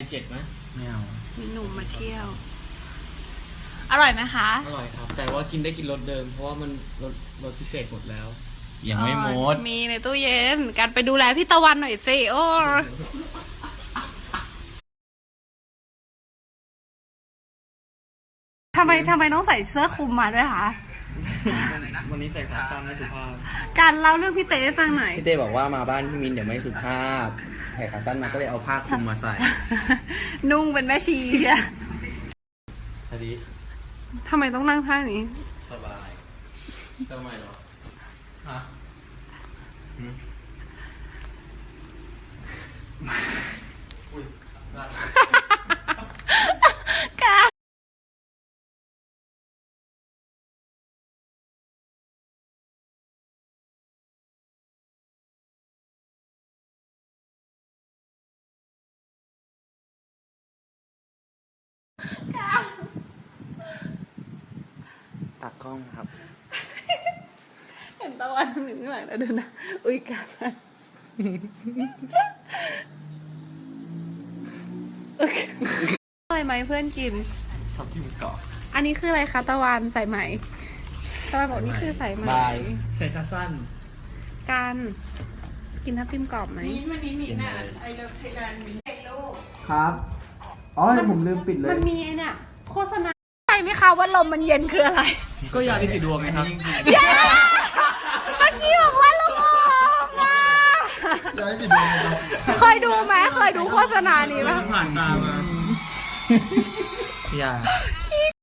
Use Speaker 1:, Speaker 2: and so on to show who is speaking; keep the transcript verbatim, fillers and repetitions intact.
Speaker 1: เจ็ดไหม
Speaker 2: ไม่เอา
Speaker 3: มีหนุ่มมาเที่ยวอร่อยไหมคะ
Speaker 1: อร่อยครับแต่ว่ากินได้กินรสเดิมเพราะว่ามันรสรสพิเศษหมดแล้ว
Speaker 2: ยังไม่หมด
Speaker 3: มีในตู้เย็นการไปดูแลพี่ตะวันหน่อยสิโอ้ทำไมทำไมต้องใส่เสื้อคลุมมาด้วยคะ
Speaker 1: วันนี้ใส่ขาสั้นไม่สุภาพ
Speaker 3: การเล่าเรื่องพี่เต้ให้ฟังหน่อย
Speaker 2: พี่เต้บอกว่ามาบ้านพี่มินเดี๋ยวไม่สุภาพใส่ขาสั้นมาก็เลยเอาผ้าคลุมมาใส่
Speaker 3: นุ่งเป็นแม่ชีใช่
Speaker 2: สวัสดี
Speaker 3: ทำไมต้องนั่งท่านี้
Speaker 2: สบายทำไมหรอฮะอุ้ยตากล้องครับ
Speaker 3: เห็นตะวันหนึ่งข้างหลังแล้วดูนะอุ้ยกาสันอะไรไหมเพื่อนกิน
Speaker 2: ทับทิมเกาะ
Speaker 3: อันนี้คืออะไรคะตะวันใส่ไหมตะวันบอกนี่คือใส่ไหม
Speaker 1: ใส่ขาสั้น
Speaker 3: การกินทับทิมกรอบไหม
Speaker 4: มิ้นวันนี้มิ้นอ่ะไอเลิฟไทยแลนด์มิ้นไอโล
Speaker 1: ครับอ๋อผมลืมปิดเลย
Speaker 3: มันมีไอเนี่ยโฆษณาใช่ไหมคะว่าลมมันเย็นคืออะไร
Speaker 1: ก็ยาลิสีดวงไงครับ
Speaker 3: เมื่อกี้บอกว่าลมมาย
Speaker 1: าลิสีดวง
Speaker 3: เคยดูไหมเคยดูโฆษณานี้ป่ะ
Speaker 1: ผ่านตามา
Speaker 2: อย่า